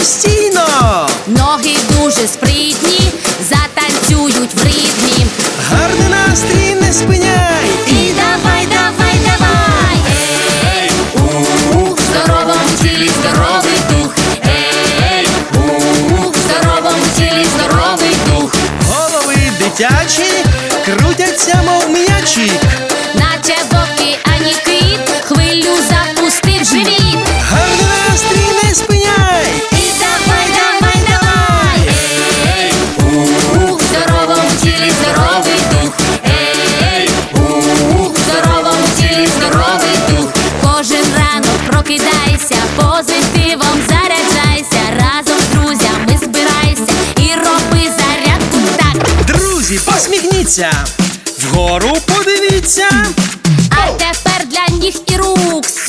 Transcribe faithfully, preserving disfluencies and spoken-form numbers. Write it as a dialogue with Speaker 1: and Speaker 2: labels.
Speaker 1: постійно.
Speaker 2: Ноги дуже спритні, затанцюють в ритмі.
Speaker 1: Гарний настрій не спиняй.
Speaker 2: І давай, давай, давай. Ей, у, в здоровому тілі здоровий дух. Ей, у, в здоровому тілі здоровий дух.
Speaker 1: Голови дитячі крутяться, мов м'ячі.
Speaker 2: Наче в океані кит, хвилю запустив живіт.
Speaker 1: Гарний настрій не спиняй.
Speaker 2: І давай, давай, давай. Ей, у, в здоровому тілі здоровий дух. Ей, у, в здоровому тілі здоровий дух. Кожен ранок прокидайся, позитивом заряджайся. Разом з друзями збирайся і роби зарядку так.
Speaker 1: Друзі, посміхніться, вгору подивіться.
Speaker 2: А тепер для ніг і рук